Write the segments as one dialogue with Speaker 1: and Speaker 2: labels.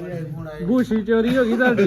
Speaker 1: ਬੂਸ਼ੀ ਚੋਰੀ ਹੋ ਗਈ ਤੁਹਾਡੀ।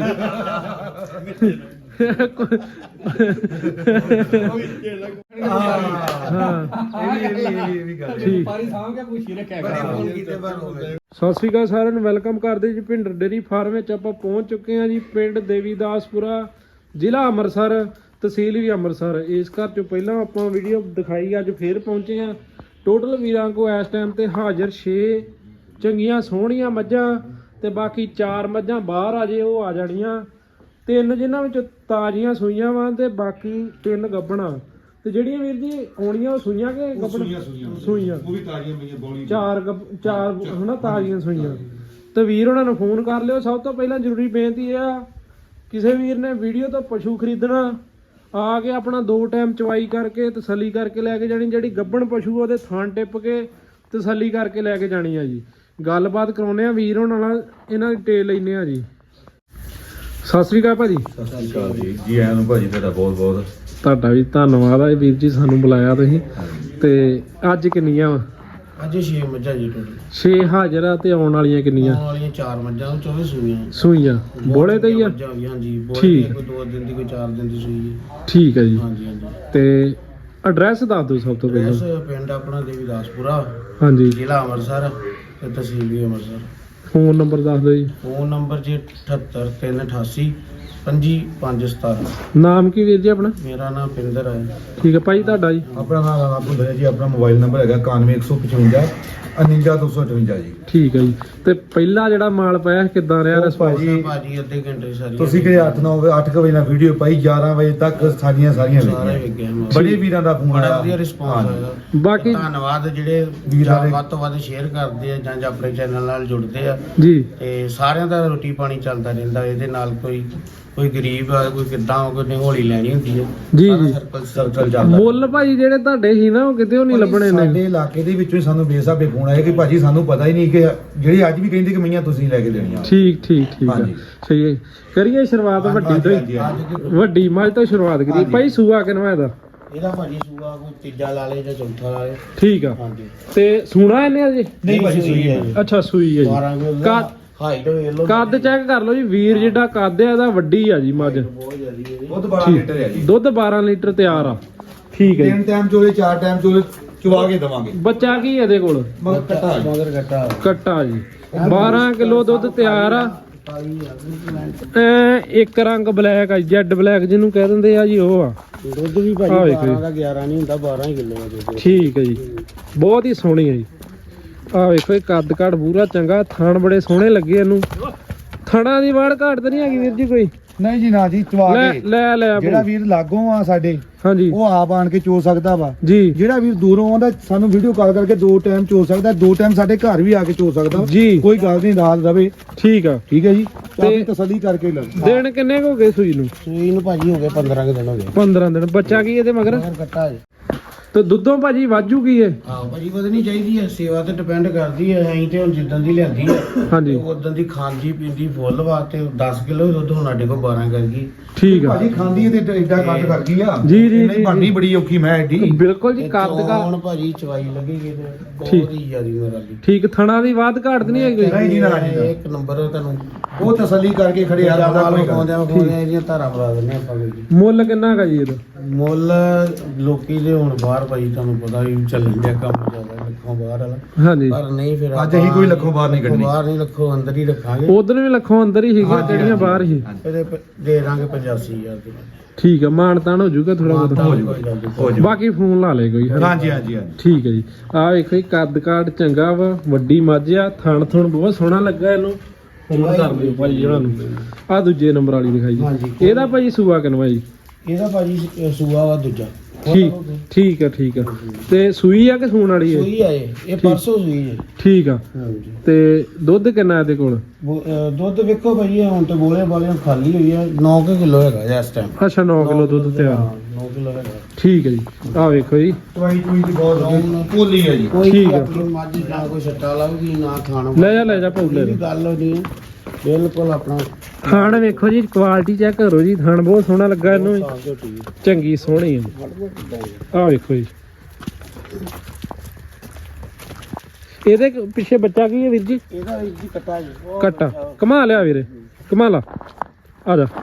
Speaker 1: ਸਤਿ ਸ਼੍ਰੀ ਅਕਾਲ ਸਾਰਿਆਂ ਨੂੰ, ਵੈਲਕਮ ਕਰਦੇ ਜੀ ਭਿੰਡਰ ਡੇਅਰੀ ਫਾਰਮ ਵਿੱਚ। ਆਪਾਂ ਪਹੁੰਚ ਚੁੱਕੇ ਹਾਂ ਜੀ ਪਿੰਡ ਦੇਵੀਦਾਸਪੁਰਾ, ਜ਼ਿਲ੍ਹਾ ਅੰਮ੍ਰਿਤਸਰ, ਤਹਿਸੀਲ ਵੀ ਅੰਮ੍ਰਿਤਸਰ। ਇਸ ਘਰ ਚੋਂ ਪਹਿਲਾਂ ਆਪਾਂ ਵੀਡੀਓ ਦਿਖਾਈ, ਅੱਜ ਫੇਰ ਪਹੁੰਚੇ ਹਾਂ। ਟੋਟਲ ਵੀਰਾਂ ਕੋ ਇਸ ਟਾਈਮ ਤੇ ਹਾਜ਼ਰ 6 ਚੰਗੀਆਂ ਸੋਹਣੀਆਂ ਮੱਝਾਂ ਤੇ ਬਾਕੀ 4 ਮੱਝਾਂ ਬਾਹਰ ਆ ਜੇ, ਉਹ ਆ ਜਾਣੀਆਂ। 3 ਜਿਨ੍ਹਾਂ ਵਿੱਚ ਤਾਜ਼ੀਆਂ ਸੂਈਆਂ ਵਾ ਤੇ ਬਾਕੀ 3 ਗੱਭਣਾ। ਤੇ ਜਿਹੜੀਆਂ ਵੀਰ ਜੀ ਆਉਣੀਆਂ ਉਹ ਸੂਈਆਂ ਕਿ ਗੱਭਣ? ਸੂਈਆਂ। ਉਹ ਵੀ ਤਾਜ਼ੀਆਂ ਪਈਆਂ, ਬੋਲੀ 4 ਹਨਾ ਤਾਜ਼ੀਆਂ ਸੂਈਆਂ। ਤੇ ਵੀਰ ਉਹਨਾਂ ਨੂੰ ਫੋਨ ਕਰ ਲਿਓ। ਸਭ ਤੋਂ ਪਹਿਲਾਂ ਜ਼ਰੂਰੀ ਬੇਨਤੀ ਇਹ ਆ, ਕਿਸੇ ਵੀਰ ਨੇ ਵੀਡੀਓ ਤੋਂ ਪਸ਼ੂ ਖਰੀਦਣਾ ਆ ਕੇ ਆਪਣਾ 2 ਟਾਈਮ ਚਵਾਈ ਕਰਕੇ ਤਸੱਲੀ ਕਰਕੇ ਲੈ ਕੇ ਜਾਣੀ। ਜਿਹੜੀ ਗੱਭਣ ਪਸ਼ੂ ਉਹਦੇ ਥਣ ਟਿੱਪ ਕੇ ਤਸੱਲੀ ਕਰਕੇ ਲੈ ਕੇ ਜਾਣੀ ਆ ਜੀ। ਗੱਲਬਾਤ ਕਰਾਉਂਦੇ ਆ ਵੀਰ ਉਹਨਾਂ ਨਾਲ, ਇਹਨਾਂ ਦੀ ਟੇਲ ਲੈਂਦੇ ਆ ਜੀ। ਸਤਿ ਸ੍ਰੀ ਅਕਾਲ ਭਾਜੀ।
Speaker 2: ਸਤਿ ਸ੍ਰੀ ਅਕਾਲ ਜੀ ਆਇਆਂ ਨੂੰ ਭਾਜੀ, ਤੁਹਾਡਾ ਬਹੁਤ ਬਹੁਤ
Speaker 1: ਤੁਹਾਡਾ ਵੀ ਧੰਨਵਾਦ ਆ ਵੀਰ ਜੀ, ਸਾਨੂੰ ਬੁਲਾਇਆ ਤੁਸੀਂ। ਤੇ ਅੱਜ ਕਿੰਨੀਆਂ ਵਾ?
Speaker 3: ਅੱਜ 6 ਮੱਝਾਂ ਜੀ ਟੋਟਲ।
Speaker 1: 6 ਹਾਜ਼ਰ ਆ ਤੇ ਆਉਣ ਵਾਲੀਆਂ ਕਿੰਨੀਆਂ?
Speaker 3: ਆਉਣ ਵਾਲੀਆਂ 4 ਮੱਝਾਂ, 24 ਸੂਈਆਂ।
Speaker 1: ਸੂਈਆਂ ਬੋਲੇ ਤੇ ਹੀ ਆ?
Speaker 3: ਹਾਂਜੀ ਬੋਲੇ,
Speaker 1: ਠੀਕ।
Speaker 3: ਕੋਈ 2 ਦਿਨ ਦੀ, ਕੋਈ 4 ਦਿਨ ਦੀ ਸੂਈ ਹੈ।
Speaker 1: ਠੀਕ ਹੈ ਜੀ।
Speaker 3: ਹਾਂਜੀ ਹਾਂਜੀ।
Speaker 1: ਤੇ ਐਡਰੈਸ ਦੱਸ ਦਿਓ ਸਭ ਤੋਂ ਪਹਿਲਾਂ।
Speaker 3: ਐਡਰੈਸ ਪਿੰਡ ਆਪਣਾ ਦੇਵੀਦਾਸਪੁਰਾ,
Speaker 1: ਹਾਂਜੀ।
Speaker 3: ਜ਼ਿਲ੍ਹਾ ਅੰਮ੍ਰਿਤਸਰ ਤੇ ਤਹਿਸੀਲ ਵੀ ਅੰਮ੍ਰਿਤਸਰ।
Speaker 1: ਫੋਨ ਨੰਬਰ ਦੱਸ ਦਿਓ ਜੀ।
Speaker 3: ਫੋਨ ਨੰਬਰ ਜੀ 78388 25517।
Speaker 1: ਨਾਮ ਕੀ ਵੀਰ ਜੀ ਆਪਣਾ?
Speaker 3: ਮੇਰਾ ਨਾਮ ਪਿੰਦਰ ਹੈ।
Speaker 1: ਠੀਕ ਹੈ ਭਾਈ, ਤੁਹਾਡਾ ਜੀ?
Speaker 2: ਆਪਣਾ ਨਾਮ ਆਪੂ ਹੈ ਜੀ। ਆਪਣਾ ਮੋਬਾਈਲ ਨੰਬਰ ਹੈਗਾ 9155 59258 ਜੀ।
Speaker 1: ਠੀਕ ਹੈ ਜੀ। ਤੇ ਪਹਿਲਾ ਜਿਹੜਾ ਮਾਲ ਪਾਇਆ ਕਿੱਦਾਂ ਰਿਹਾ ਰਿਸਪੌਂਸ?
Speaker 3: ਭਾਜੀ ਅੱਧੇ ਘੰਟੇ ਸਾਰੀ
Speaker 2: ਤੁਸੀਂ ਕਿ 8 ਵਜੇ ਨਾਲ ਵੀਡੀਓ ਪਾਈ, 11 ਵਜੇ ਤੱਕ ਸਾਰੀਆਂ
Speaker 3: ਸਾਰੇ
Speaker 2: ਵੇਖੀਆਂ।
Speaker 3: ਵੇਖਿਆ।
Speaker 2: ਬੜੇ ਵੀਰਾਂ ਦਾ ਫੋਨ
Speaker 3: ਬੜਾ
Speaker 2: ਆਇਆ,
Speaker 3: ਵਧੀਆ ਰਿਸਪੌਂਸ ਆਇਆ।
Speaker 1: ਬਾਕੀ
Speaker 3: ਧੰਨਵਾਦ ਜਿਹੜੇ
Speaker 2: ਵੀਰਾਂ ਦੇ
Speaker 3: ਵੱਧ ਤੋਂ ਵੱਧ ਸ਼ੇਅਰ ਕਰਦੇ ਆ ਜਾਂ ਆਪਣੇ ਚੈਨਲ ਨਾਲ ਜੁੜਦੇ ਆ।
Speaker 1: ਜੀ।
Speaker 3: ਤੇ ਸਾਰਿਆਂ ਦਾ ਰੋਟੀ ਪਾਣੀ ਚੱਲਦਾ ਰਹਿੰਦਾ ਇਹਦੇ ਨਾਲ। ਕੋਈ ਗਰੀਬ ਆ, ਕੋਈ ਕਿੱਦਾਂ, ਕੋਈ ਹੌਲੀ ਲੈਣੀ ਹੁੰਦੀ ਹੈ।
Speaker 1: ਜੀ
Speaker 3: ਸਾਰਾ
Speaker 1: ਜੀ।
Speaker 3: ਸਰਕਲ ਚੱਲਦਾ।
Speaker 1: ਮੁੱਲ ਭਾਈ ਜਿਹੜੇ ਤੁਹਾਡੇ ਸੀ ਨਾ, ਉਹ ਕਿਤੇ ਨਹੀਂ ਲੱਭਣੇ ਨੇ
Speaker 2: ਸਾਡੇ ਇਲਾਕੇ ਦੇ ਵਿੱਚੋਂ ਹੀ ਸਾਨੂੰ ਬੇਸਾਬੇ ਫੋਨ ਆਇਆ ਕਿ ਭਾਜੀ ਸਾਨੂੰ ਪਤਾ ਹੀ ਨਹੀਂ ਕਿ ਜਿਹੜੀ ਅੱਜ ਵੀ ਕਹਿੰਦੇ ਕਿ ਮਈਆਂ ਤੁਸੀਂ ਲੈ ਕੇ ਦੇਣੀਆਂ।
Speaker 1: ਠੀਕ ਠੀਕ ਠੀਕ ਆ।
Speaker 2: ਹਾਂਜੀ।
Speaker 1: ਸਹੀ ਹੈ। ਕਰੀਏ ਸ਼ੁਰੂਆਤ ਵੱਡੀ ਤੋਂ ਹੀ। ਵੱਡੀ ਮੱਝ ਤੋਂ ਸ਼ੁਰੂਆਤ ਕਰੀ ਭਾਈ। ਸੂਆ ਕਿਨਵਾ ਇਹਦਾ?
Speaker 3: ਇਹਦਾ ਭਾਜੀ ਸੂਆ ਕੋਈ ਤੀਜਾ ਲਾ ਲੇ ਜਾਂ ਚੌਥਾ ਲਾ ਲੇ।
Speaker 1: ਠੀਕ ਆ।
Speaker 3: ਹਾਂਜੀ।
Speaker 1: ਤੇ ਸੂਣਾ ਇਹਨੇ ਅਜੇ?
Speaker 2: ਨਹੀਂ ਭਾਜੀ ਸੂਈ ਹੈ।
Speaker 1: ਅੱਛਾ ਸੂਈ ਹੈ
Speaker 3: 12
Speaker 1: ਜੀ।
Speaker 3: ਕਿਲੋ ਹਾਈਟ ਵੇਖ ਲਓ।
Speaker 1: ਕੱਦ ਚੈੱਕ ਕਰ ਲਓ ਜੀ ਵੀਰ, ਜਿੱਡਾ ਕੱਦ ਆ ਇਹਦਾ ਵੱਡੀ ਆ ਜੀ ਮੱਝ।
Speaker 3: ਬਹੁਤ ਜ਼ਿਆਦੀ ਹੈ।
Speaker 2: ਦੁੱਧ 12 ਲੀਟਰ ਹੈ ਜੀ।
Speaker 1: ਦੁੱਧ 12 ਲੀਟਰ ਤਿਆਰ ਆ। ਠੀਕ ਹੈ
Speaker 2: 3
Speaker 1: ਜੀ।
Speaker 2: ਟਾਈਮ ਚੋਲੇ 4 ਟਾਈਮ ਚੋਲੇ ਚਵਾ ਕੇ ਦਵਾਂਗੇ।
Speaker 1: ਬੱਚਾ ਕੀ ਇਹਦੇ ਕੋਲ?
Speaker 2: ਮਗਰ ਕੱਟਾ ਜੀ।
Speaker 3: ਮਗਰ ਕੱਟਾ
Speaker 1: ਕੱਟਾ ਜੀ। 12 ਕਿਲੋ ਦੁੱਧ ਤਿਆਰ ਆ। ਇੱਕ ਰੰਗ ਬਲੈਕ ਆ, ਜੈਡ ਬਲੈਕ ਜਿਹਨੂੰ ਕਹਿ ਦਿੰਦੇ ਆ ਜੀ, ਉਹ ਆ।
Speaker 3: ਦੁੱਧ ਵੀ ਭਾਜੀ 12 ਦਾ 11 ਨਹੀਂ ਹੁੰਦਾ, 12 ਹੀ ਕਿਲੋ ਦਾ ਦੁੱਧ।
Speaker 1: ਠੀਕ ਹੈ ਜੀ। ਬਹੁਤ ਹੀ ਸੋਹਣੀ ਹੈ ਜੀ। ਆਹ ਵੇਖੋ ਇਹ ਕੱਦ ਕਾਠ ਪੂਰਾ ਚੰਗਾ, ਥਣ ਬੜੇ ਸੋਹਣੇ ਲੱਗੇ ਇਹਨੂੰ। ਥਣਾ ਦੀ ਵਾੜ ਘਾਟ ਤਾਂ ਨਹੀਂ ਹੈਗੀ ਵੀਰ ਜੀ ਕੋਈ?
Speaker 2: ਨਹੀਂ ਜੀ ਨਾ ਜੀ, ਚਵਾ ਕੇ
Speaker 1: ਲੈ
Speaker 2: ਜਿਹੜਾ ਵੀਰ ਲਾਗੋਂ ਆ ਸਾਡੇ,
Speaker 1: ਹਾਂਜੀ,
Speaker 2: ਉਹ ਆਪ ਆਣ ਕੇ ਚੋ ਸਕਦਾ ਵਾ
Speaker 1: ਜੀ।
Speaker 2: ਜਿਹੜਾ ਵੀਰ ਦੂਰੋਂ ਆਉਂਦਾ ਸਾਨੂੰ ਵੀਡੀਓ ਕਾਲ ਕਰਕੇ 2 ਟਾਈਮ ਚੋ ਸਕਦਾ, 2 ਟਾਈਮ ਸਾਡੇ ਘਰ ਵੀ ਆ ਕੇ ਚੋ ਸਕਦਾ
Speaker 1: ਜੀ।
Speaker 2: ਕੋਈ ਗੱਲ ਨਹੀਂ, ਰਾਤ ਰਵੇ।
Speaker 1: ਠੀਕ ਆ।
Speaker 2: ਠੀਕ ਹੈ ਜੀ।
Speaker 1: ਤੇ
Speaker 2: ਤੇ ਤਸੱਲੀ ਕਰਕੇ ਲੈ
Speaker 1: ਦਿਨ ਕਿੰਨੇ ਕੁ ਹੋ ਗਏ ਸੂਈ ਨੂੰ?
Speaker 3: ਸੂਈ ਨੂੰ ਭਾਜੀ ਹੋ ਗਏ 15 ਦਿਨ ਹੋ ਗਏ।
Speaker 1: 15 ਦਿਨ। ਬੱਚਾ ਕੀ ਇਹਦੇ ਮਗਰ?
Speaker 3: ਮਗਰ ਕੱਟਾ ਜੀ।
Speaker 1: ਤੇ ਦੁੱਧੋਂ ਭਾਜੀ ਵਾਜੂ ਕੀ ਹੈ?
Speaker 3: ਆਹ ਭਾਜੀ ਵਧਣੀ ਚਾਹੀਦੀ ਹੈ, ਸੇਵਾ ਤੇ ਡਿਪੈਂਡ ਕਰਦੀ ਹੈ। ਅਸੀਂ ਤੇ ਹੁਣ ਜਿੱਦਾਂ ਦੀ ਲਿਆਂਦੀ ਹੈ
Speaker 1: ਹਾਂਜੀ।
Speaker 3: ਉਦੋਂ ਦੀ ਖਾਂਦੀ ਪੀਂਦੀ ਫੁੱਲ ਵਾਸਤੇ 10 ਕਿਲੋ ਦੁੱਧ ਹੁਣ ਸਾਡੇ ਕੋਲ 12 ਕਰ ਗਈ।
Speaker 1: ਠੀਕ ਆ
Speaker 2: ਭਾਜੀ ਖਾਂਦੀ ਹੈ ਤੇ ਐਡਾ ਕੱਟ ਕਰ ਗਈ ਆ।
Speaker 1: ਜੀ, ਜੀ,
Speaker 2: ਨਹੀਂ ਬਣਨੀ ਬੜੀ ਔਖੀ ਮੈਂ ਐਡੀ।
Speaker 1: ਬਿਲਕੁਲ ਜੀ। ਕੱਦ ਦਾ
Speaker 3: ਹੁਣ ਭਾਜੀ ਚਵਾਈ ਲੱਗੇਗੀ ਤੇ
Speaker 1: ਠੀਕ।
Speaker 3: ਬਹੁਤ ਹੀ ਜ਼ਿਆਦੀ ਮੇਰਾ ਦੀ।
Speaker 1: ਠੀਕ। ਥਣਾ ਦੀ ਬਾਤ ਘਾਟ ਨਹੀਂ ਹੈਗੀ?
Speaker 2: ਨਹੀਂ ਜੀ, ਨਾ ਜੀ, ਨਾ।
Speaker 3: ਇੱਕ ਨੰਬਰ ਤੁਹਾਨੂੰ
Speaker 2: ਉਹ ਤਸੱਲੀ ਕਰਕੇ ਖੜੇ ਆ
Speaker 3: ਜਿਆਦਾ
Speaker 2: ਕੋਈ ਗੱਲ।
Speaker 3: ਖਵਾਉਂਦੇ ਇਹਦੀਆਂ ਧਾਰਾਂ ਬਣਾ ਦਿੰਦੇ ਆਪਾਂ ਕੋਈ।
Speaker 1: ਮੁੱਲ ਕਿੰਨਾ ਕਾ ਜੀ ਇਹਦਾ?
Speaker 3: ਮੁੱਲ ਲੋਕੀ ਦੇ ਹੁਣ ਬਾਹਰ ਭਾਈ ਤੁਹਾਨੂੰ ਪਤਾ ਹੀ ਚੱਲਣ ਡਿਆ ਕੰਮ ਜ਼ਿਆਦਾ ਲੱਖੋਂ ਬਾਹਰ ਵਾਲਾ।
Speaker 1: ਹਾਂਜੀ।
Speaker 3: ਪਰ ਨਹੀਂ ਫਿਰ
Speaker 2: ਅੱਜ ਅਸੀਂ ਕੋਈ ਲੱਖੋਂ ਬਾਹਰ ਨਹੀਂ ਕੱਢਣੀ।
Speaker 3: ਬਾਹਰ ਨਹੀਂ, ਲੱਖੋਂ ਅੰਦਰ ਹੀ ਰੱਖਾਂਗੇ।
Speaker 1: ਉਧਰ ਵੀ ਲੱਖੋਂ ਅੰਦਰ ਹੀ ਸੀਗੀਆਂ ਜਿਹੜੀਆਂ ਬਾਹਰ ਹੀ।
Speaker 3: ਇਹਦੇ ਦੇ ਦਾਂਗੇ 85,000 ਦੀ।
Speaker 1: ਠੀਕ ਆ। ਮਾਨ ਤਾਨ ਹੋ ਜਾਊਗਾ ਥੋੜਾ ਬਹੁਤ।
Speaker 2: ਹੋ ਜਾਊਗਾ।
Speaker 1: ਬਾਕੀ ਫੋਨ ਲਾ ਲੇ ਕੋਈ।
Speaker 2: ਹਾਂਜੀ ਹਾਂਜੀ ਹਾਂਜੀ।
Speaker 1: ਠੀਕ ਹੈ ਜੀ। ਆਹ ਵੇਖੋ ਜੀ, ਕੱਦ ਕਾਠ ਚੰਗਾ ਵਾ, ਵੱਡੀ ਮੱਝ ਆ। ਥਣ ਥਣ ਬਹੁਤ ਸੋਹਣਾ ਲੱਗਾ ਇਹਨੂੰ। ਫੋਨ ਕਰ ਦਿਓ ਭਾਈ ਇਹਨਾਂ ਨੂੰ। ਆਹ ਦੂਜੇ ਨੰਬਰ ਵਾਲੀ ਦਿਖਾਈ
Speaker 3: ਹਾਂਜੀ।
Speaker 1: ਜੀ। ਇਹਦਾ ਭਾਈ ਸੂਆ ਕਿਨਵਾ ਜੀ?
Speaker 3: ਇਹਦਾ ਭਾਜੀ ਸੂਆ ਵਾ ਦੂਜਾ।
Speaker 1: ਠੀਕ ਆ। ਠੀਕ ਆ। ਤੇ ਸੂਈ ਆ ਕਿ ਸੂਣ ਵਾਲੀ ਹੈ?
Speaker 3: ਸੂਈ ਆ ਇਹ ਪਰਸੋਂ ਸੂਈ ਹੈ।
Speaker 1: ਠੀਕ ਆ।
Speaker 3: ਹਾਂਜੀ।
Speaker 1: ਤੇ ਦੁੱਧ ਕਿੰਨਾ ਇਹਦੇ ਕੋਲ?
Speaker 3: ਦੁੱਧ ਵੇਖੋ ਭਾਜੀ ਹੁਣ ਤੇ ਬੋਲੇ ਵਾਲੇ ਖਾਲੀ ਹੋਈ ਆ। 9 ਕਿਲੋ ਹੈਗਾ ਜੀ ਇਸ ਟਾਈਮ।
Speaker 1: ਅੱਛਾ 9 ਕਿਲੋ ਦੁੱਧ ਤਿਆਰ।
Speaker 3: 9 ਕਿਲੋ ਹੈਗਾ।
Speaker 1: ਠੀਕ ਹੈ ਜੀ। ਆਹ ਵੇਖੋ ਜੀ।
Speaker 2: ਟਵਾਈ ਟੂਈ ਦੀ ਬਹੁਤ ਭੋਲੀ ਹੈ ਜੀ।
Speaker 3: ਕੋਈ
Speaker 1: ਠੀਕ ਆ।
Speaker 3: ਆਪਣੀ ਮੱਝ ਨਾ ਕੋਈ ਛੱਟਾ ਲਾਉਗੀ ਨਾ ਖਾਣਾ।
Speaker 1: ਲੈ ਜਾ ਭਾਉ ਲੈ
Speaker 3: ਇਹ ਵੀ ਗੱਲ ਨਹੀਂ ਹੈ। ਬਿਲਕੁਲ ਆਪਣਾ
Speaker 1: ਥਣ ਵੇਖੋ ਜੀ, ਕੁਆਲਿਟੀ ਚੈੱਕ ਕਰੋ ਜੀ। ਥਣ ਬਹੁਤ ਸੋਹਣਾ ਲੱਗਾ ਇਹਨੂੰ। ਚੰਗੀ ਸੋਹਣੀ ਹੈ। ਆਹ ਵੇਖੋ ਜੀ। ਇਹਦੇ ਪਿੱਛੇ ਬੱਚਾ ਕੀ ਹੈ ਵੀਰ ਜੀ?
Speaker 3: ਇਹਦਾ ਵੀਰ ਜੀ ਕੱਟਾ ਜੀ
Speaker 1: ਕੱਟਾ ਕਮਾ ਲਿਆ ਵੀਰੇ, ਕਮਾ ਲਾ, ਆ ਜਾ।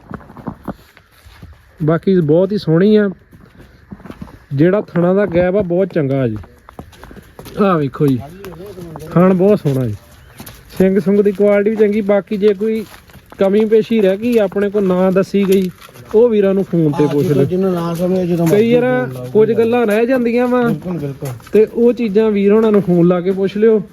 Speaker 1: ਬਾਕੀ ਬਹੁਤ ਹੀ ਸੋਹਣੀ ਆ, ਜਿਹੜਾ ਥਣਾ ਦਾ ਗੈਪ ਆ ਬਹੁਤ ਚੰਗਾ ਜੀ। ਆਹ ਵੇਖੋ ਜੀ, ਥਣ ਬਹੁਤ ਸੋਹਣਾ ਜੀ, ਸਿੰਘ ਸੁੰਗ ਦੀ ਕੁਆਲਿਟੀ ਵੀ ਚੰਗੀ। ਬਾਕੀ ਜੇ ਕੋਈ ਕਮੀ ਪੇਸ਼ੀ ਰਹਿ ਗਈ ਆਪਣੇ ਕੋਲ ਨਾ ਦੱਸੀ ਗਈ, ਉਹ ਵੀਰਾਂ ਨੂੰ ਫੋਨ ਤੇ ਪੁੱਛ ਲਓ।
Speaker 3: ਜਿਹਨੂੰ ਨਾ ਸਮਝੇ ਜਦੋਂ
Speaker 1: ਕਈ ਯਾਰ ਕੁਝ ਗੱਲਾਂ ਰਹਿ ਜਾਂਦੀਆਂ ਵਾ,
Speaker 3: ਬਿਲਕੁਲ
Speaker 1: ਤੇ ਉਹ ਚੀਜ਼ਾਂ ਵੀਰ ਉਹਨਾਂ ਨੂੰ ਫੋਨ ਲਾ ਕੇ ਪੁੱਛ ਲਿਓ।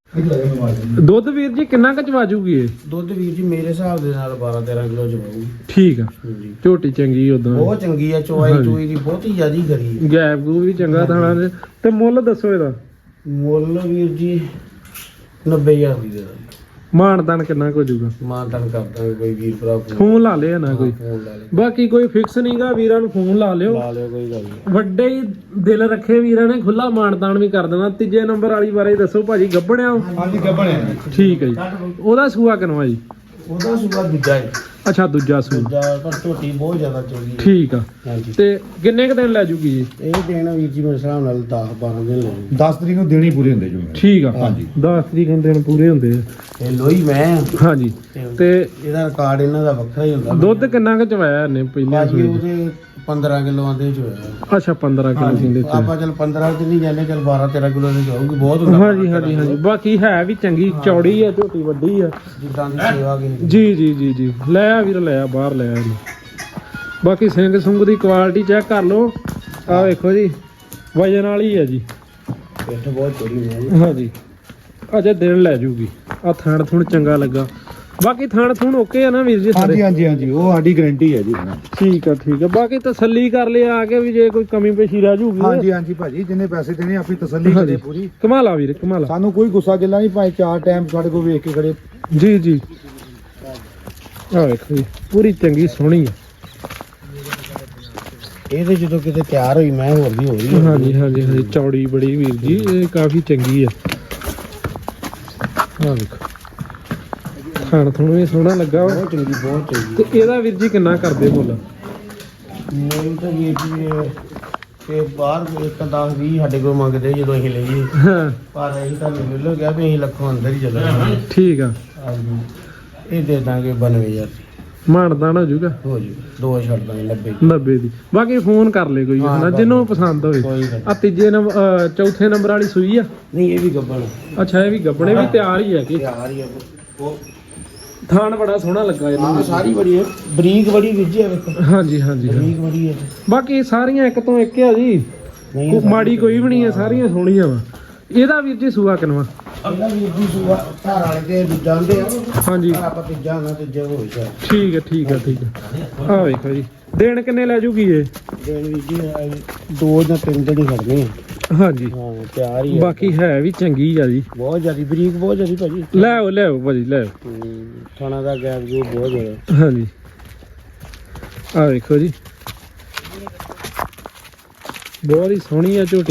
Speaker 1: ਦੁੱਧ ਵੀਰ ਜੀ ਕਿੰਨਾ ਕੁ ਚਵਾ ਜੂਗੀ ਇਹ?
Speaker 3: ਦੁੱਧ ਵੀਰ ਜੀ ਮੇਰੇ ਹਿਸਾਬ ਦੇ ਨਾਲ 12-13 ਕਿਲੋ ਚਵਾਉਗੀ।
Speaker 1: ਠੀਕ ਆ,
Speaker 3: ਜੀ
Speaker 1: ਝੋਟੀ ਚੰਗੀ ਉਦਾਂ,
Speaker 3: ਬਹੁਤ ਚੰਗੀ ਆ, ਚਵਾਈ ਚੂਈ ਦੀ ਬਹੁਤੀ ਜ਼ਿਆਦੀ ਕਰੀ।
Speaker 1: ਗੈਪ ਗੂ ਵੀ ਚੰਗਾ ਥਾਣਾ ਦੇ। ਤੇ ਮੁੱਲ ਦੱਸੋ ਇਹਦਾ?
Speaker 3: ਮੁੱਲ ਵੀਰ ਜੀ 90,000 ਦੀ ਦੇ ਦਾਂਗੇ।
Speaker 1: ਮਾਨਦਾਨ ਕਿੰਨਾ ਕੁ ਹੋ ਜੂਗਾ?
Speaker 3: ਮਾਨਤਾਨ ਕਰ ਦਾਂਗੇ, ਕੋਈ ਵੀਰ ਭਰਾ
Speaker 1: ਫੋਨ ਲਾ ਲਿਆ ਨਾ ਕੋਈ।
Speaker 3: ਫੋਨ ਲਾ ਲਿਓ।
Speaker 1: ਬਾਕੀ ਕੋਈ ਫਿਕਸ ਨਹੀਂਗਾ, ਵੀਰਾਂ ਨੂੰ ਫੋਨ ਲਾ ਲਿਓ।
Speaker 3: ਲਾ ਲਿਓ, ਕੋਈ ਗੱਲ ਨਹੀਂ।
Speaker 1: ਵੱਡੇ ਹੀ ਦਿਲ ਰੱਖੇ ਵੀਰਾਂ ਨੇ ਖੁੱਲਾ ਮਾਨਦਾਨ ਵੀ ਕਰ ਦੇਣਾ। ਤੀਜੇ ਨੰਬਰ ਵਾਲੀ ਬਾਰੇ ਦੱਸੋ ਭਾਜੀ, ਗੱਬਣਿਆ?
Speaker 2: ਹਾਂਜੀ ਗੱਬਣਿਆ ਜੀ।
Speaker 1: ਠੀਕ ਹੈ ਜੀ। ਉਹਦਾ ਸੂਆ ਕਿਨਵਾ ਜੀ?
Speaker 3: ਉਹਦਾ ਸੁਭਾ ਦੂਜਾ ਹੈ।
Speaker 1: ਅੱਛਾ ਦੂਜਾ ਸੂਆ।
Speaker 3: ਦੂਜਾ ਪਰ ਝੋਟੀ ਬਹੁਤ ਜ਼ਿਆਦਾ ਚੰਗੀ ਹੈ।
Speaker 1: ਠੀਕ ਆ।
Speaker 3: ਹਾਂਜੀ।
Speaker 1: ਤੇ ਕਿੰਨੇ ਕ ਦਿਨ ਲੈ ਜੂਗੀ ਜੀ?
Speaker 3: ਇਹ ਦੇਣਾ ਵੀਰ ਜੀ ਮੇਰੇ ਹਿਸਾਬ ਨਾਲ 10-12 ਦਿਨ ਲੱਗੂ।
Speaker 2: 10 ਤਰੀਕ ਨੂੰ ਦੇਣੀ ਪੂਰੇ ਹੁੰਦੇ ਜੋ
Speaker 1: ਠੀਕ ਆ।
Speaker 2: ਹਾਂਜੀ।
Speaker 1: 10 ਤਰੀਕ ਨੂੰ ਦਿਨ ਪੂਰੇ ਹੁੰਦੇ ਆ।
Speaker 3: ਇਹ ਲੋਈ ਮੈਂ
Speaker 1: ਹਾਂਜੀ। ਤੇ
Speaker 3: ਇਹਦਾ ਰਿਕਾਰਡ ਇਹਨਾਂ ਦਾ ਵੱਖਰਾ ਹੀ ਹੁੰਦਾ।
Speaker 1: ਦੁੱਧ ਕਿੰਨਾ ਕੁ ਚਵਾਇਆ ਇਹਨੇ ਪਹਿਲਾਂ
Speaker 3: ਭਾਜੀ
Speaker 1: ਸੂਏ?
Speaker 3: ਉਹਦੇ 15 ਕਿਲੋ ਆਂਦੇ ਚ ਹੋਇਆ।
Speaker 1: ਅੱਛਾ 15 ਕਿਲੋ ਕਹਿੰਦੇ ਤੇ।
Speaker 3: ਆਪਾਂ ਚਲ 15 ਚ ਨਹੀਂ ਜਾਂਦੇ, ਚਲ 12-13 ਕਿਲੋ ਦੇ ਜਾਊਗੀ, ਬਹੁਤ ਹੁੰਦਾ।
Speaker 1: ਹਾਂਜੀ ਹਾਂਜੀ ਹਾਂਜੀ। ਬਾਕੀ ਹੈ ਵੀ ਚੰਗੀ, ਚੌੜੀ ਆ, ਝੋਟੀ ਵੱਡੀ ਆ।
Speaker 3: ਜਿੱਦਾਂ ਦੀ ਸੇਵਾ ਕੀ
Speaker 1: ਜੀ ਜੀ ਜੀ ਜੀ। ਲੈ ਆ ਵੀਰ, ਲੈ ਆ ਬਾਹਰ, ਲੈ ਆ ਇਹਨੂੰ। ਬਾਕੀ ਸਿੰਘ ਸੁੰਗ ਦੀ ਕੁਆਲਿਟੀ ਚੈੱਕ ਕਰ ਲਓ। ਆ ਵੇਖੋ ਜੀ, ਵਜਨ ਵਾਲੀ ਹੈ ਜੀ।
Speaker 3: ਪਿੱਠ ਬਹੁਤ ਚੌੜੀ ਹੈ।
Speaker 1: ਹਾਂਜੀ, ਅਜੇ ਦਿਨ ਲੈ ਜੂਗੀ। ਆ ਥਣ ਥੁਣ ਚੰਗਾ ਲੱਗਾ। ਬਾਕੀ ਥਣ ਥੁਣ ਓਕੇ ਆ ਨਾ ਵੀਰ ਜੀ ਸਾਰੇ?
Speaker 2: ਹਾਂਜੀ ਹਾਂਜੀ ਹਾਂਜੀ, ਉਹ ਸਾਡੀ ਗਾਰੰਟੀ ਹੈ ਜੀ।
Speaker 1: ਠੀਕ ਆ ਠੀਕ ਆ। ਬਾਕੀ ਤਸੱਲੀ ਕਰ ਲਿਆ ਆ ਕੇ ਵੀ ਜੇ ਕੋਈ ਕਮੀ ਪੇਸ਼ੀ ਰਹਿ ਜੂਗੀ।
Speaker 2: ਹਾਂਜੀ ਹਾਂਜੀ ਭਾਜੀ, ਜਿੰਨੇ ਪੈਸੇ ਦੇਣੇ ਆਪਣੀ ਤਸੱਲੀ ਕਰੇ ਪੂਰੀ।
Speaker 1: ਕਮਾਲਾ ਵੀਰ, ਕਮਾਲਾ।
Speaker 2: ਸਾਨੂੰ ਕੋਈ ਗੁੱਸਾ ਗਿੱਲਾ ਨਹੀਂ, ਭਾਵੇਂ 4 ਟਾਈਮ ਸਾਡੇ ਕੋਲ ਵੇਖ ਕੇ ਖੜੇ।
Speaker 1: ਜੀ ਜੀ। ਆ ਵੇਖੋ ਜੀ, ਪੂਰੀ ਚੰਗੀ ਸੋਹਣੀ ਆ।
Speaker 3: ਇਹ ਤੇ ਜਦੋਂ ਕਿਤੇ ਤਿਆਰ ਹੋਈ ਮੈਂ ਹੋਰ ਵੀ ਹੋ ਰਹੀ ਹੈ।
Speaker 1: ਹਾਂਜੀ ਹਾਂਜੀ ਹਾਂਜੀ। ਚੌੜੀ ਬੜੀ ਵੀਰ ਜੀ, ਇਹ ਕਾਫੀ ਚੰਗੀ ਆ। ਆ ਵੇਖੋ, ਖਾਣ ਥੋੜਾ ਵੀ ਸੋਹਣਾ ਲੱਗਾ ਵਾ।
Speaker 3: ਬਹੁਤ ਚੰਗੀ, ਬਹੁਤ ਚੰਗੀ।
Speaker 1: ਤੇ ਇਹਦਾ ਵੀਰ ਜੀ ਕਿੰਨਾ ਕਰਦੇ ਮੁੱਲ?
Speaker 3: ਨਹੀਂ ਤਾਂ ਵੀਰ ਜੀ ਤੇ ਬਾਹਰ ਇੱਕ 10-20 ਸਾਡੇ ਕੋਲ ਮੰਗਦੇ ਜਦੋਂ ਅਸੀਂ ਲਈਏ,
Speaker 1: ਹਾਂ
Speaker 3: ਪਰ ਅਸੀਂ ਤਾਂ ਮਿਲ ਗਿਆ ਵੀ ਅਸੀਂ ਲੱਖੋਂ ਅੰਦਰ ਹੀ ਚੱਲਾਂਗੇ।
Speaker 1: ਠੀਕ ਆ।
Speaker 3: ਹਾਂਜੀ, ਇਹ ਦੇ ਦਾਂਗੇ 92,000
Speaker 1: ਮਾਨਦਾਨ ਹੋ ਜੂਗਾ?
Speaker 3: ਹੋ ਜੂ, ਦੋ ਛੱਡ ਦਾਂਗੇ 90।
Speaker 1: 90 ਦੀ। ਬਾਕੀ ਫੋਨ ਕਰ ਲੈ ਕੋਈ ਹਨਾ, ਜਿਹਨੂੰ ਪਸੰਦ ਹੋਵੇ।
Speaker 3: ਕੋਈ ਗੱਲ
Speaker 1: ਆ ਤੀਜੇ ਨੰਬਰ ਚੌਥੇ ਨੰਬਰ ਵਾਲੀ ਸੂਈ ਆ?
Speaker 3: ਨਹੀਂ, ਇਹ ਵੀ ਗੱਬਣ
Speaker 1: ਅੱਛਾ, ਇਹ ਵੀ ਗੱਬਣੇ ਵੀ ਤਿਆਰ ਹੀ ਆ ਕਿ?
Speaker 3: ਤਿਆਰ ਹੀ ਆ। ਉਹ
Speaker 1: ਥਾਣ ਬੜਾ ਸੋਹਣਾ ਲੱਗਾ ਇਹਨੂੰ।
Speaker 3: ਹਾਂ, ਸਾਰੀ ਬੜੀ ਹੈ, ਬਰੀਕ ਬੜੀ ਵਿੱਜੀ ਹੈ, ਵੇਖੋ
Speaker 1: ਹਾਂਜੀ ਹਾਂਜੀ ਹਾਂਜੀ।
Speaker 3: ਬਰੀਕ ਬੜੀ ਹੈ।
Speaker 1: ਬਾਕੀ ਸਾਰੀਆਂ ਇੱਕ ਤੋਂ ਇੱਕ ਆ ਜੀ,
Speaker 3: ਨਹੀਂ
Speaker 1: ਮਾੜੀ ਕੋਈ ਵੀ ਨਹੀਂ ਆ, ਸਾਰੀਆਂ ਸੋਹਣੀਆਂ ਵਾ। ਇਹਦਾ ਵੀਰ ਜੀ ਸੂਆ ਕਿਨਵਾ?
Speaker 3: ਇਹਦਾ ਵੀਰ ਜੀ ਸੂਆ ਘਰ ਵਾਲੇ ਤੇ ਜਾਂਦੇ ਆ।
Speaker 1: ਹਾਂਜੀ
Speaker 3: ਆਪਾਂ ਤੀਜਾ ਹੋਣਾ, ਤੀਜਾ ਹੋ ਜਾ।
Speaker 1: ਠੀਕ ਹੈ ਠੀਕ ਹੈ ਠੀਕ ਹੈ। ਆ ਵੇਖੋ ਜੀ, ਦਿਨ ਕਿੰਨੇ ਲੈ ਜੂਗੀ ਇਹ?
Speaker 3: ਦੇਣ ਵੀਰ ਜੀ 2 ਜਾਂ 3 ਦਿਨ ਹੀ ਖੜਨੇ ਆ।
Speaker 1: ਹਾਂਜੀ।
Speaker 3: ਹਾਂ, ਤਿਆਰ ਹੀ ਆ।
Speaker 1: ਬਾਕੀ ਹੈ ਵੀ ਚੰਗੀ ਆ ਜੀ,
Speaker 3: ਬਹੁਤ ਜ਼ਿਆਦੀ ਬਰੀਕ, ਬਹੁਤ ਜ਼ਿਆਦੀ ਭਾਜੀ।
Speaker 1: ਲੈ ਆਓ ਭਾਜੀ, ਲੈ ਆਓ।
Speaker 3: ਖਾਣਾ ਦਾ ਗੈਪ ਜੋ ਬਹੁਤ ਜ਼ਿਆਦਾ।
Speaker 1: ਹਾਂਜੀ। ਆ ਵੇਖੋ ਜੀ, ਬਹੁਤ ਹੀ ਸੋਹਣੀ ਆ ਝੋਟੀ।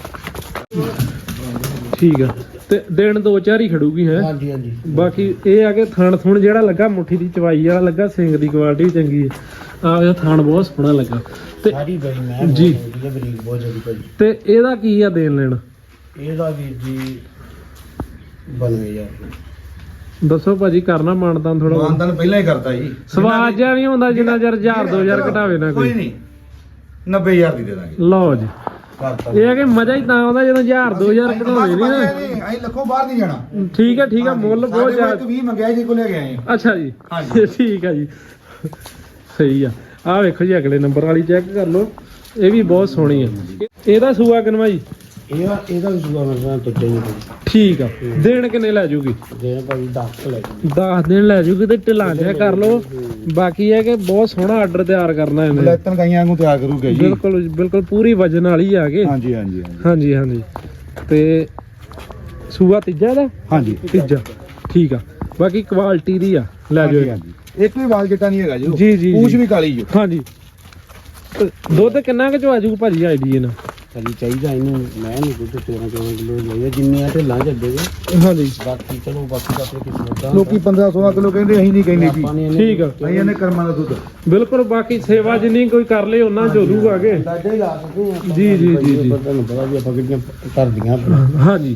Speaker 1: ਠੀਕ ਆ। ਤੇ ਦਿਨ 2-4 ਹੀ ਖੜੂਗੀ ਹੈ।
Speaker 3: ਹਾਂਜੀ ਹਾਂਜੀ।
Speaker 1: ਬਾਕੀ ਇਹ ਆ ਕਿ ਥਣ ਥੁਣ ਜਿਹੜਾ ਲੱਗਾ, ਮੁੱਠੀ ਦੀ ਚਵਾਈ ਵਾਲਾ ਲੱਗਾ, ਸਿੰਘ ਦੀ ਕੁਆਲਿਟੀ ਵੀ ਚੰਗੀ ਹੈ। ਆ ਇਹ ਥਣ ਬਹੁਤ ਸੋਹਣਾ ਲੱਗਾ। ਤੇ
Speaker 3: ਸਾਰੀ ਬੜੀ ਮੈਂ
Speaker 1: ਜੀ।
Speaker 3: ਬਰੀਕ ਬਹੁਤ ਜ਼ਿਆਦੀ ਭਾਜੀ।
Speaker 1: ਤੇ ਇਹਦਾ ਕੀ ਆ ਦੇਣ ਲੈਣ?
Speaker 3: ਇਹਦਾ ਵੀਰ ਜੀ 92,000।
Speaker 1: ਦੱਸੋ ਭਾਜੀ, ਕਰਨਾ ਮਾਨਦਾਨ ਥੋੜਾ?
Speaker 2: ਮਾਨਦਾਨ ਪਹਿਲਾਂ ਹੀ ਕਰਤਾ ਜੀ।
Speaker 1: ਸਵਾਦ ਜਿਹਾ ਨਹੀਂ ਹੁੰਦਾ ਜਿੰਨਾ ਚਿਰ 1000-2000 ਘਟਾਵੇ ਨਾ
Speaker 2: ਕੋਈ
Speaker 1: ਕੋਈ।
Speaker 2: ਨਹੀਂ, 90,000 ਦੀ ਦੇ ਦਾਂਗੇ।
Speaker 1: ਲਓ ਜੀ,
Speaker 3: ਕਰਤਾ
Speaker 1: ਇਹ ਆ ਕਿ ਮਜ਼ਾ ਹੀ ਤਾਂ ਆਉਂਦਾ ਜਦੋਂ 1000-2000 ਘਟਾਵੇ ਨਹੀਂ ਨਾ।
Speaker 2: ਅਸੀਂ ਲੱਖੋਂ ਬਾਹਰ ਨਹੀਂ ਜਾਣਾ।
Speaker 1: ਠੀਕ ਹੈ ਠੀਕ ਹੈ। ਮੁੱਲ ਬਹੁਤ ਜ਼ਿਆਦਾ।
Speaker 2: 20 ਮੰਗਿਆ ਜੀ, ਕੋਲ ਲੈ ਕੇ ਆਏ ਹਾਂ।
Speaker 1: ਅੱਛਾ ਜੀ,
Speaker 2: ਹਾਂਜੀ।
Speaker 1: ਠੀਕ ਆ ਜੀ, ਸਹੀ ਆ। ਆਹ ਵੇਖੋ ਜੀ, ਅਗਲੇ ਨੰਬਰ ਵਾਲੀ ਚੈੱਕ ਕਰ ਲਓ, ਇਹ ਵੀ ਬਹੁਤ ਸੋਹਣੀ ਆ। ਇਹਦਾ ਸੂਆ ਕਿਨਵਾ ਜੀ?
Speaker 3: ਇਹਦਾ ਵੀ ਸੂਆ ਮੈਂ ਤੱਜੇ ਨਹੀਂ
Speaker 1: ਠੀਕ ਆ। ਦਿਨ ਕਿੰਨੇ ਲੈ ਜੂਗੀ?
Speaker 3: ਦੇ ਭਾਜੀ 10 ਲੈ ਜੀ।
Speaker 1: 10 ਦਿਨ ਲੈ ਜੂਗੀ। ਤੇ ਢਿਲਾਂ ਜਿਹਾ ਕਰ ਲਓ। ਬਾਕੀ ਹੈ ਕਿ ਬਹੁਤ ਸੋਹਣਾ ਆਰਡਰ ਤਿਆਰ ਕਰਨਾ ਇਹਨੇ।
Speaker 2: ਲੈਤਨ ਗਾਈਆਂ ਨੂੰ ਤਿਆਰ ਕਰੂਗਾ ਜੀ।
Speaker 1: ਬਿਲਕੁਲ ਬਿਲਕੁਲ, ਪੂਰੀ ਵਜਨ ਵਾਲੀ ਆ ਕੇ।
Speaker 2: ਹਾਂਜੀ ਹਾਂਜੀ
Speaker 1: ਹਾਂਜੀ ਹਾਂਜੀ। ਤੇ ਸੂਆ ਤੀਜਾ ਦਾ?
Speaker 2: ਹਾਂਜੀ
Speaker 1: ਤੀਜਾ। ਠੀਕ ਆ। ਬਾਕੀ ਕੁਆਲਿਟੀ ਦੀ ਆ, ਲੈ ਜਾਓ।
Speaker 2: ਹਾਂਜੀ। ਇੱਕ ਵੀ ਵਾਲ ਜੱਟਾ ਨਹੀਂ ਹੈਗਾ ਜੀ।
Speaker 1: ਜੀ ਜੀ
Speaker 2: ਪੂਛ ਵੀ ਕਾਲੀ ਜੀ।
Speaker 1: ਹਾਂਜੀ। ਤੇ ਦੁੱਧ ਕਿੰਨਾ ਕੁ ਚ ਆ ਜੂ ਭਾਜੀ ਆਈਡੀ ਇਹਨਾਂ?
Speaker 3: ਭਾਜੀ ਚਾਹੀਦਾ ਇਹਨੂੰ, ਮੈਂ ਨਹੀਂ ਕੁਝ 13-14 ਕਿਲੋ ਲਈਏ, ਜਿੰਨੀਆਂ ਢਿੱਲਾਂ ਚੱਡੇ
Speaker 1: ਹਾਂਜੀ।
Speaker 3: ਬਾਕੀ ਚਲੋ, ਬਾਕੀ ਤਾਂ ਆਪਣੇ ਕਿਸਮਤ ਦਾ।
Speaker 2: ਲੋਕੀ 15-16 ਕਿਲੋ ਕਹਿੰਦੇ, ਅਸੀਂ ਨਹੀਂ ਕਹਿੰਦੇ ਜੀ।
Speaker 3: ਆਪਾਂ ਨੇ
Speaker 1: ਠੀਕ ਆ।
Speaker 2: ਅਸੀਂ ਇਹਨੇ ਕਰਮਾਂ ਦਾ ਦੁੱਧ।
Speaker 1: ਬਿਲਕੁਲ। ਬਾਕੀ ਸੇਵਾ ਜਿੰਨੀ ਕੋਈ ਕਰ ਲੇ ਉਹਨਾਂ ਜੋਦੂਗਾ ਅੱਗੇ।
Speaker 3: ਅੰਦਾਜ਼ਾ ਹੀ ਲਾ ਸਕਦੇ ਹਾਂ ਆਪਾਂ।
Speaker 1: ਜੀ, ਜੀ, ਜੀ, ਜੀ।
Speaker 3: ਤੁਹਾਨੂੰ ਪਤਾ ਵੀ ਆਪਾਂ ਕਿਹੜੀਆਂ ਕਰਦੀਆਂ।
Speaker 1: ਹਾਂਜੀ।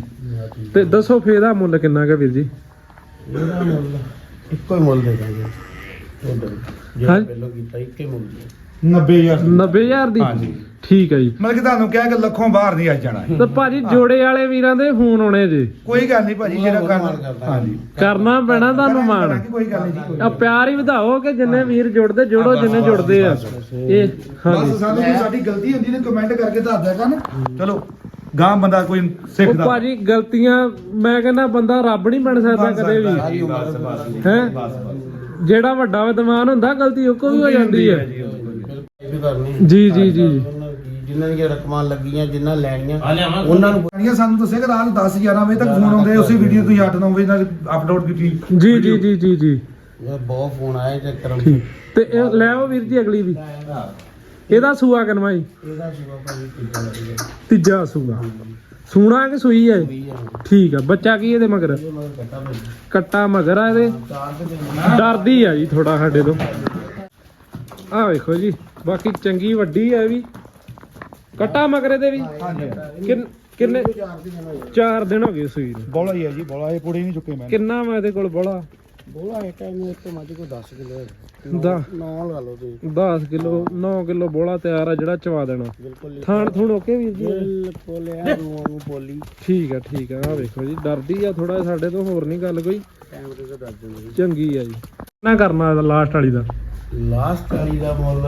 Speaker 1: ਤੇ ਦੱਸੋ ਫੇਰ ਦਾ ਮੁੱਲ ਕਿੰਨਾ ਕੁ ਵੀਰ ਜੀ?
Speaker 3: ਇਹਦਾ ਮੁੱਲ ਇੱਕੋ ਹੀ ਮੁੱਲ ਦੇ ਦਾਂਗੇ ਉਧਰ ਜਿਹੜਾ
Speaker 1: ਹਾਂਜੀ।
Speaker 3: ਪਹਿਲਾਂ ਕੀਤਾ ਇੱਕੇ ਮੁੱਲ ਦੇ
Speaker 2: 90000
Speaker 1: 90000 ਦੀ?
Speaker 2: ਹਾਂਜੀ।
Speaker 1: ਠੀਕ ਹੈ ਜੀ।
Speaker 2: ਮਤਲਬ ਕਿ ਤੁਹਾਨੂੰ ਕਿਹਾ ਕਿ ਲੱਖੋਂ ਬਾਹਰ ਨਹੀਂ ਅੱਜ ਜਾਣਾ
Speaker 1: ਤੇ ਭਾਜੀ ਜੋੜੇ ਵਾਲੇ ਵੀਰਾਂ ਦੇ ਫੋਨ ਆਉਣੇ ਜੇ,
Speaker 2: ਕੋਈ ਗੱਲ ਨਹੀਂ ਭਾਜੀ, ਜਿਹੜਾ
Speaker 3: ਮਾਣ
Speaker 2: ਕਰਨਾ
Speaker 3: ਕਰਦਾ।
Speaker 2: ਹਾਂਜੀ
Speaker 1: ਕਰਨਾ ਪੈਣਾ ਤੁਹਾਨੂੰ ਮਾਣ।
Speaker 2: ਕਰਾਂਗੇ, ਕੋਈ ਗੱਲ ਨਹੀਂ ਜੀ।
Speaker 1: ਆ ਪਿਆਰ ਹੀ ਵਧਾਓ ਕਿ ਜਿੰਨੇ ਵੀਰ ਜੁੜਦੇ ਜੁੜੋ, ਜਿੰਨੇ ਜੁੜਦੇ ਆ ਇਹ। ਹਾਂਜੀ
Speaker 2: ਬਸ ਸਾਨੂੰ ਕੋਈ ਸਾਡੀ ਗਲਤੀ ਹੁੰਦੀ ਤੇ ਕਮੈਂਟ ਕਰਕੇ ਦੱਸ ਦਿਆ ਕਰਨ। ਚਲੋ ਗਾਂ ਬੰਦਾ ਕੋਈ
Speaker 1: ਉਹ
Speaker 2: ਸਿੱਖਦਾ
Speaker 1: ਭਾਜੀ ਗਲਤੀਆਂ, ਮੈਂ ਕਹਿੰਦਾ ਬੰਦਾ ਰੱਬ ਨਹੀਂ ਬਣ ਸਕਦਾ ਕਦੇ ਵੀ ਹੈ। ਜਿਹੜਾ ਵੱਡਾ ਵਿਦਵਾਨ ਹੁੰਦਾ ਗਲਤੀ ਉਹ ਕੋ ਵੀ ਹੋ ਜਾਂਦੀ ਹੈ।
Speaker 3: ਇਹ ਵੀ ਕਰਨੀ
Speaker 1: ਜੀ ਜੀ ਜੀ
Speaker 3: ਜਿਨ੍ਹਾਂ ਦੀਆਂ ਰਕਮਾਂ ਲੱਗੀਆਂ ਜਿਨ੍ਹਾਂ ਲੈਣੀਆਂ ਉਹਨਾਂ ਨੂੰ
Speaker 2: ਪਾਣੀਆਂ ਸਾਨੂੰ ਦੱਸਿਆ ਕਿ ਰਾਤ 10 11 ਵਜੇ ਤੱਕ ਫੋਨ ਆਉਂਦੇ, ਉਸੇ ਵੀਡੀਓ ਤੁਸੀਂ 8 9 ਵਜੇ ਨਾਲ ਅਪਲੋਡ ਕੀਤੀ।
Speaker 1: ਜੀ ਜੀ ਜੀ ਜੀ ਜੀ
Speaker 3: ਇਹ ਬਹੁਤ ਫੋਨ ਆਏ ਤੇ ਕਰਮ
Speaker 1: ਠੀਕ। ਤੇ ਇਹ ਲੈ ਆਓ ਵੀਰ ਜੀ ਅਗਲੀ ਵੀ। ਇਹਦਾ ਸੂਆ ਕਿਨਵਾ ਜੀ?
Speaker 3: ਇਹਦਾ ਸੀਗਾ ਭਾਜੀ ਕਿੱਦਾਂ ਲੱਗਿਆ
Speaker 1: ਤੀਜਾ ਸੂਆ। ਸੂਣਾ ਕਿ ਸੂਈ ਹੈ? ਠੀਕ ਆ। ਬੱਚਾ ਕੀ ਇਹਦੇ ਮਗਰ?
Speaker 3: ਇਹ ਮਗਰ ਕੱਟਾ ਭਾਜੀ
Speaker 1: ਕੱਟਾ ਮਗਰ ਆ ਇਹਦੇ।
Speaker 3: ਚਾਰ ਤੇ
Speaker 1: ਡਰਦੀ ਆ ਜੀ ਥੋੜਾ ਸਾਡੇ ਤੋਂ। ਆਹ ਵੇਖੋ ਜੀ, ਬਾਕੀ ਚੰਗੀ ਵੱਡੀ ਆ ਇਹ ਵੀ। ਕੱਟਾ ਮਗਰੇ ਦੇ ਵੀ ਕਿੰਨੇ 4 ਦਿਨ ਹੋ ਗਏ ਸੂਈ ਨੂੰ।
Speaker 2: ਬੋਲਾ ਹੀ ਹੈ ਜੀ, ਬੋਲਾ ਇਹ ਕੁੜੀ ਨਹੀਂ ਚੁੱਕੇ ਮੈਂ।
Speaker 1: ਕਿੰਨਾ ਵਾ ਇਹਦੇ ਕੋਲ ਬੋਲਾ?
Speaker 3: ਬੋਲਾ ਇੱਕ ਟਾਈਮ ਇੱਕ ਮੱਝ ਕੋ 10 ਕਿਲੋ
Speaker 1: ਦਾ
Speaker 3: 9 ਲਾ ਲਓ ਤੁਸੀਂ
Speaker 1: 10 ਕਿਲੋ 9 ਕਿਲੋ ਬੋਲਾ ਤਿਆਰ ਆ ਜਿਹੜਾ ਚਵਾ ਦੇਣਾ।
Speaker 3: ਬਿਲਕੁਲ
Speaker 1: ਥਾਣ ਥੂਣ ਓਕੇ ਵੀਰ ਜੀ?
Speaker 3: ਬਿਲਕੁਲ ਆ ਨੂੰ ਬੋਲੀ
Speaker 1: ਠੀਕ ਆ ਠੀਕ ਆ। ਆਹ ਵੇਖੋ ਜੀ, ਡਰਦੀ ਆ ਥੋੜਾ ਸਾਡੇ ਤੋਂ, ਹੋਰ ਨਹੀਂ ਗੱਲ ਕੋਈ।
Speaker 3: ਕੈਮਰੇ ਤੇ ਦੱਸ ਦਿੰਦੇ
Speaker 1: ਚੰਗੀ ਆ ਜੀ। ਨਾ ਕਰਨਾ ਇਹਦਾ ਲਾਸਟ ਵਾਲੀ ਦਾ?
Speaker 3: ਲਾਸਟ ਵਾਲੀ ਦਾ ਮੁੱਲ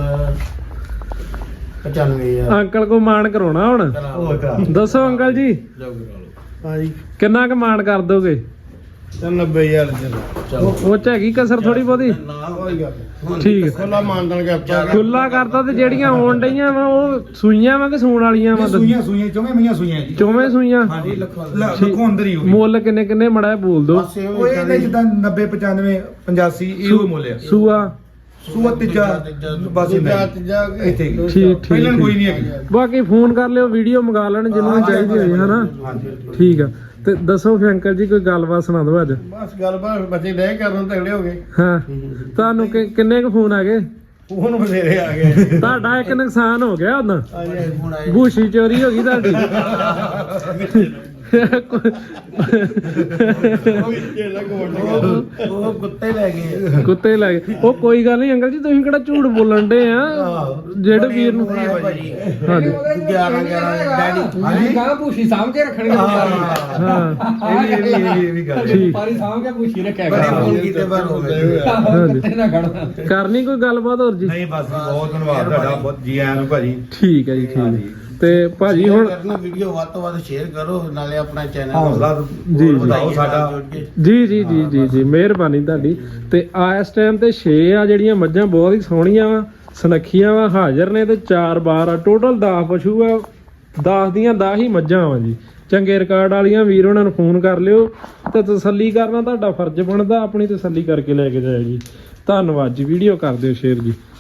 Speaker 3: 95000
Speaker 1: ਅੰਕਲ ਕੋ ਮਾਣ ਕਰਾਉਣਾ ਹੁਣ।
Speaker 2: ਉਹ ਕਰਾ
Speaker 1: ਦੱਸੋ ਅੰਕਲ ਜੀ,
Speaker 3: ਹਾਂਜੀ
Speaker 1: ਕਿੰਨਾ ਕੁ ਮਾਣ ਕਰ ਦੋਗੇ?
Speaker 3: 90000 ਚਲੋ
Speaker 1: ਉਹ ਚ ਹੈਗੀ ਕਸਰ ਥੋੜੀ ਬਹੁਤੀ?
Speaker 3: ਨਾ ਕੋਈ ਗੱਲ
Speaker 1: ਠੀਕ ਹੈ।
Speaker 3: ਖੁੱਲਾ ਮਾਨਦਾਨ ਕਰਤਾ
Speaker 1: ਖੁੱਲਾ ਕਰਤਾ। ਤੇ ਜਿਹੜੀਆਂ ਆਉਣ ਡਈਆਂ ਵਾ ਉਹ ਸੂਈਆਂ ਵਾ ਕਿ ਸੂਣ ਵਾਲੀਆਂ ਵਾ?
Speaker 2: ਸੂਈਆਂ ਸੂਈਆਂ ਚੋਵੇਂ ਮਈਆਂ ਸੂਈਆਂ ਜੀ।
Speaker 1: ਚੋਵੇਂ ਸੂਈਆਂ।
Speaker 2: ਹਾਂਜੀ ਲੱਖੋਂ ਅੰਦਰ ਹੀ ਹੋ ਗਈ।
Speaker 1: ਮੁੱਲ ਕਿੰਨੇ ਕਿੰਨੇ ਮੜਾ ਬੋਲ ਦੋ।
Speaker 2: ਉਹ ਇਹਦੇ ਜਿੱਦਾਂ 90 95 85 ਇਹੋ ਮੁੱਲ ਆ।
Speaker 1: ਸੂਆ
Speaker 2: ਸੂਆ ਤੀਜਾ ਬਸ ਇੱਥੇ ਹੀ।
Speaker 1: ਠੀਕ ਠੀਕ
Speaker 2: ਪਹਿਲਾਂ ਕੋਈ
Speaker 1: ਠੀਕ।
Speaker 2: ਨਹੀਂ ਹੈਗੀ।
Speaker 1: ਬਾਕੀ ਫੋਨ ਕਰ ਲਿਓ, ਵੀਡੀਓ ਮੰਗਾ ਲੈਣ ਜਿਹਨੂੰ ਚਾਹੀਦੀ ਹੋਈ ਹਨਾ। ਠੀਕ ਆ। ਤੇ ਦੱਸੋ ਫਿਰ ਅੰਕਲ ਜੀ, ਕੋਈ ਗੱਲਬਾਤ ਸੁਣਾ ਦਿਓ ਅੱਜ।
Speaker 3: ਬਸ ਗੱਲਬਾਤ ਬੱਚੇ ਡੈ ਕਰਨ ਤਗੜੇ ਹੋ ਗਏ
Speaker 1: ਹਾਂ, ਤੁਹਾਨੂੰ ਕਿੰਨੇ ਕੁ ਫੋਨ ਆ ਗਏ?
Speaker 3: ਹੁਣ ਬਥੇਰੇ ਆ ਗਏ
Speaker 1: ਤੁਹਾਡਾ ਇੱਕ ਨੁਕਸਾਨ ਹੋ ਗਿਆ ਉਹਨਾਂ।
Speaker 3: ਹੁਣ ਆਏ
Speaker 1: ਗੂਸ਼ੀ ਚੋਰੀ ਹੋ ਗਈ ਤੁਹਾਡੀ।
Speaker 3: ਉਹ ਕੁੱਤੇ ਲੈ ਗਏ
Speaker 1: ਕੁੱਤੇ ਲੈ ਗਏ। ਉਹ ਕੋਈ ਗੱਲ ਨਹੀਂ ਅੰਕਲ ਜੀ, ਤੁਸੀਂ ਕਿਹੜਾ ਝੂਠ ਬੋਲਣ ਡੇ ਆ? ਜਿਹੜੇ ਵੀਰ ਨੂੰ ਹਾਂਜੀ
Speaker 3: 11 ਡੈਡੀ
Speaker 2: ਹਾਂਜੀ
Speaker 4: ਗਾਂ ਭੂਸ਼ੀ ਸਾਂਭ ਕੇ ਰੱਖਣਗੇ।
Speaker 1: ਹਾਂ
Speaker 2: ਇਹ ਵੀ ਗੱਲ ਹੈ।
Speaker 1: ਠੀਕ।
Speaker 4: ਪਾਰੀ ਸਾਂਭ ਕੇ ਭੂਸ਼ੀ ਰੱਖਿਆ
Speaker 3: ਬੜੇ
Speaker 4: ਕਰ।
Speaker 3: ਫੋਨ ਕੀਤੇ ਪਰ ਹੋ ਗਏ
Speaker 1: ਹਾਂਜੀ।
Speaker 4: ਕਿੱਥੇ ਨਾ ਖੜਨਾ।
Speaker 1: ਕਰਨੀ ਕੋਈ ਗੱਲਬਾਤ ਹੋਰ ਜੀ?
Speaker 2: ਨਹੀਂ ਬਸ ਬਹੁਤ ਧੰਨਵਾਦ ਤੁਹਾਡਾ, ਬਹੁਤ ਜੀ ਆਇਆਂ ਨੂੰ ਭਾਜੀ।
Speaker 1: ਠੀਕ ਹੈ ਜੀ, ਠੀਕ ਹੈ। ਤੇ ਭਾਜੀ ਹੁਣ
Speaker 3: ਵੀਡੀਓ ਵੱਧ ਤੋਂ ਵੱਧ ਸ਼ੇਅਰ ਕਰੋ, ਨਾਲੇ ਆਪਣਾ ਚੈਨਲ
Speaker 2: ਹੌਸਲਾ
Speaker 1: ਜੀ,
Speaker 2: ਵਧਾਓ ਸਾਡਾ।
Speaker 1: ਜੀ ਜੀ ਜੀ ਜੀ ਜੀ ਮਿਹਰਬਾਨੀ ਤੁਹਾਡੀ। ਤੇ ਆ ਇਸ ਟਾਈਮ ਤੇ 6 ਆ ਜਿਹੜੀਆਂ ਮੱਝਾਂ ਬਹੁਤ ਹੀ ਸੋਹਣੀਆਂ ਵਾ, ਸੁਨੱਖੀਆਂ ਵਾ, ਹਾਜ਼ਰ ਨੇ। ਤੇ 4 ਬਾਰ ਆ, ਟੋਟਲ 10 ਪਸ਼ੂ ਆ। 10 ਦੀਆਂ 10 ਹੀ ਮੱਝਾਂ ਵਾ ਜੀ। ਚੰਗੇ ਰਿਕਾਰਡ ਵਾਲੀਆਂ ਵੀਰ ਉਹਨਾਂ ਨੂੰ ਫੋਨ ਕਰ ਲਿਓ ਤੇ ਤਸੱਲੀ ਕਰਨਾ ਤੁਹਾਡਾ ਫਰਜ਼ ਬਣਦਾ। ਆਪਣੀ ਤਸੱਲੀ ਕਰਕੇ ਲੈ ਕੇ ਜਾਇਓ ਜੀ। ਧੰਨਵਾਦ ਜੀ। ਵੀਡੀਓ ਕਰ ਦਿਓ ਸ਼ੇਅਰ ਜੀ।